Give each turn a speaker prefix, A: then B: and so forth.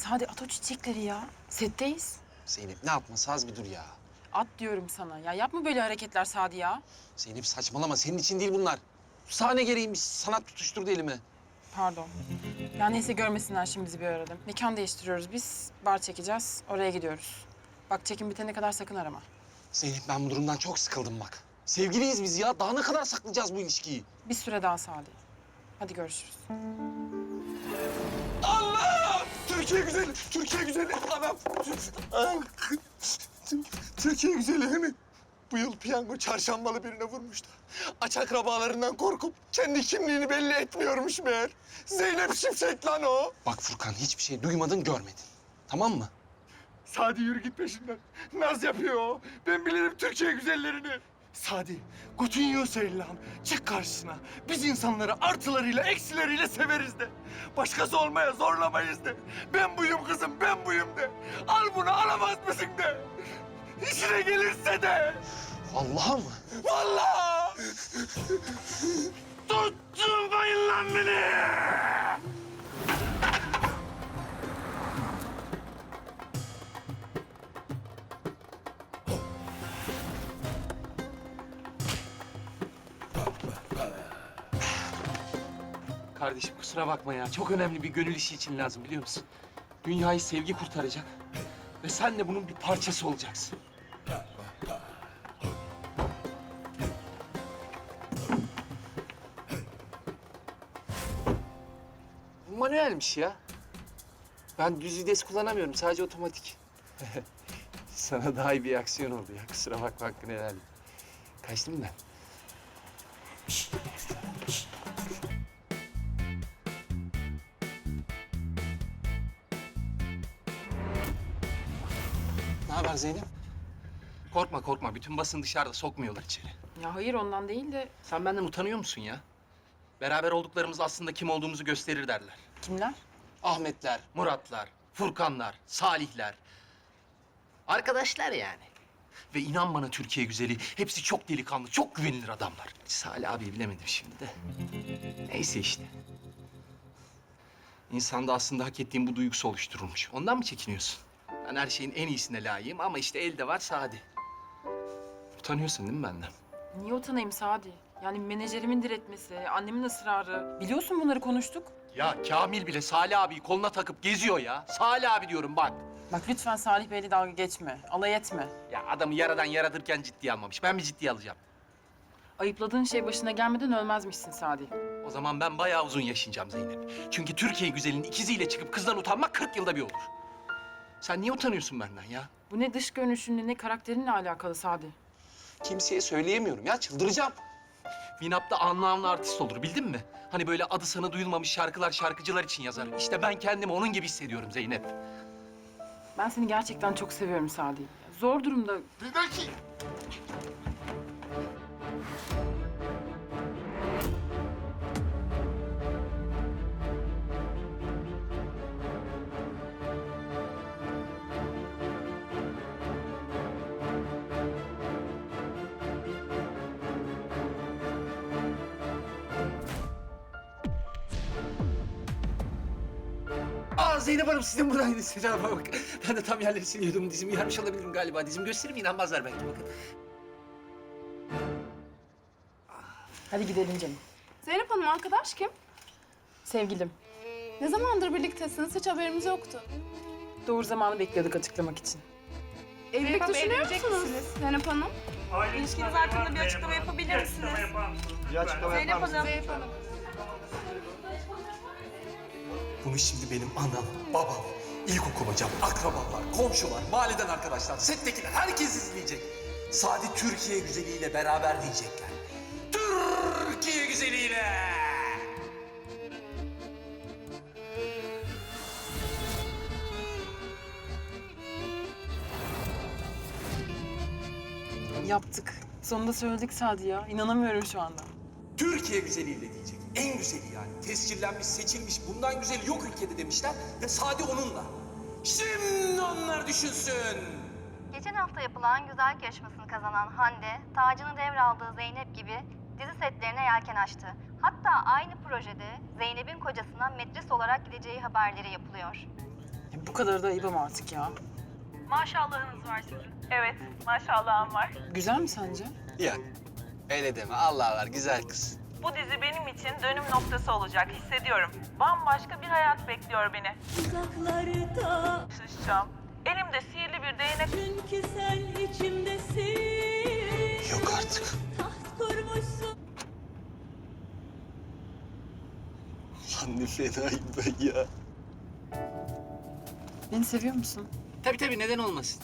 A: Sadi at o çiçekleri ya. Setteyiz.
B: Zeynep ne yapması az bir dur ya.
A: At diyorum sana. Ya yapma böyle hareketler Sadi ya.
B: Zeynep saçmalama senin için değil bunlar. Sahne gereğiymiş sanat tutuşturdu elime.
A: Pardon. Ya neyse görmesinler şimdi bizi bir arada. Mekan değiştiriyoruz biz. Bar çekeceğiz. Oraya gidiyoruz. Bak çekim bitene kadar sakın arama.
B: Zeynep ben bu durumdan çok sıkıldım bak. Sevgiliyiz biz ya. Daha ne kadar saklayacağız bu ilişkiyi?
A: Bir süre daha Sadi. Hadi görüşürüz.
B: Allah! Türkiye güzeli, Türkiye güzeli. Anam. Türkiye güzeli değil mi? Bu yıl piyango çarşambalı birine vurmuş da. Aç akrabalarından korkup kendi kimliğini belli etmiyormuş meğer. Zeynep Şimşek lan o. Bak Furkan hiçbir şey duymadın görmedin. Tamam mı?
C: Sadi yürü git peşinden. Naz yapıyor o. Ben bilirim Türkiye güzellerini. Sadi, Coutinho Seylan. Çık karşısına. Biz insanları artılarıyla, eksileriyle severiz de. Başkası olmaya zorlamayız de. Ben buyum kızım, ben buyum de. Al bunu, alamaz mısın de. İşine gelirse de.
B: Vallahi mı?
C: Vallahi! Tutturmayın lan beni!
D: Kardeşim kusura bakma ya. Çok önemli bir gönül işi için lazım biliyor musun? Dünyayı sevgi kurtaracak. Ve sen de bunun bir parçası olacaksın. Bu manuelmiş ya. Ben düz vites kullanamıyorum. Sadece otomatik. Sana daha iyi bir aksiyon oldu ya. Kusura bakma hakkını helal et. Kaçtım ben.
B: Ne haber Zeynep?
D: Korkma korkma. Bütün basın dışarıda sokmuyorlar içeri.
A: Ya hayır ondan değil de
D: Sen benden utanıyor musun ya? Beraber olduklarımız aslında kim olduğumuzu gösterir derler.
A: kimler?
B: Ahmetler.
D: Muratlar, Furkanlar, Salihler. Arkadaşlar yani. Ve inan bana Türkiye güzeli, hepsi çok delikanlı, çok güvenilir adamlar. Salih abi bilemedim şimdi de. Neyse işte. İnsanda aslında hak ettiğim bu duygusu oluşturulmuş. Ondan mı çekiniyorsun? Ben her şeyin en iyisine layığım ama işte elde var Sadi. Utanıyorsun değil mi benden?
A: Niye utanayım Sadi? Yani menajerimin diretmesi, annemin ısrarı. Biliyorsun bunları konuştuk.
D: Ya Kamil bile Salih abiyi koluna takıp geziyor ya. Salih abi diyorum bak.
A: Bak lütfen Salih Bey'le dalga geçme. Alay etme.
D: Ya adamı yaradan yaratırken ciddiye almamış. Ben mi ciddiye alacağım?
A: Ayıpladığın şey başına gelmeden ölmezmişsin Sadi.
D: O zaman ben bayağı uzun yaşayacağım Zeynep. Çünkü Türkiye güzelinin ikiziyle çıkıp kızdan utanmak 40 yılda bir olur. Sen niye utanıyorsun benden ya?
A: Bu ne dış görünüşünle ne karakterinle alakalı Sadi.
B: Kimseye söyleyemiyorum ya çıldıracağım.
D: Vinap'ta anlı artist olur bildin mi? Hani böyle adı sana duyulmamış şarkılar şarkıcılar için yazar. İşte ben kendimi onun gibi hissediyorum Zeynep.
A: Ben seni gerçekten çok seviyorum Sadi. Zor durumda
C: Bir dakika.
D: Aa Zeynep Hanım siz de buradaydınız. Selam bak. Ben de tam yerleri siliyordum. Dizimi yarmış olabilirim galiba. Dizimi göstereyim inanmazlar belki bakın.
A: hadi gidelim canım.
E: Zeynep Hanım arkadaş kim?
A: Sevgilim.
E: Ne zamandır birliktesiniz? Hiç haberimiz yoktu.
A: Doğru zamanı bekliyorduk açıklamak için.
E: Evlilik düşünüyor musunuz Zeynep Hanım?
F: İlişkiniz hakkında bir açıklama yapabilir misiniz? Zeynep Hanım.
E: Zeynep Hanım.
G: Bunu şimdi benim anam, babam, ilkokul hocam, akrabalar, komşular, mahalleden arkadaşlar, settekiler herkes izleyecek. Sadi Türkiye güzeliyle beraber diyecekler. Türkiye güzeliyle!
A: Yaptık. Sonunda söyledik Sadi ya. İnanamıyorum şu anda.
G: Türkiye güzeliyle diyecek. En güzeli yani. Tescillenmiş, seçilmiş, bundan güzeli yok ülkede demişler ve Sadi onunla. Şimdi onlar düşünsün.
H: Geçen hafta yapılan güzellik yarışmasını kazanan Hande, tacını devraldığı Zeynep gibi dizi setlerine yelken açtı. Hatta aynı projede Zeynep'in kocasına metris olarak gideceği haberleri yapılıyor.
A: Bu kadar da ayıbım artık ya.
F: Maşallahınız var sizin. Evet, maşallahım var.
A: Güzel mi sence?
B: Ya öyle deme. Allah var güzel kız.
F: Bu dizi benim için dönüm noktası olacak, hissediyorum. Bambaşka bir hayat bekliyor beni.
I: Uzaklarda
F: Çalışacağım. Elimde sihirli bir değnek.
I: çünkü sen içimdesin.
B: Yok artık.
I: Taht kurmuşsun.
B: Lan ne fenayım ben ya.
A: Beni seviyor musun?
D: Tabii neden olmasın?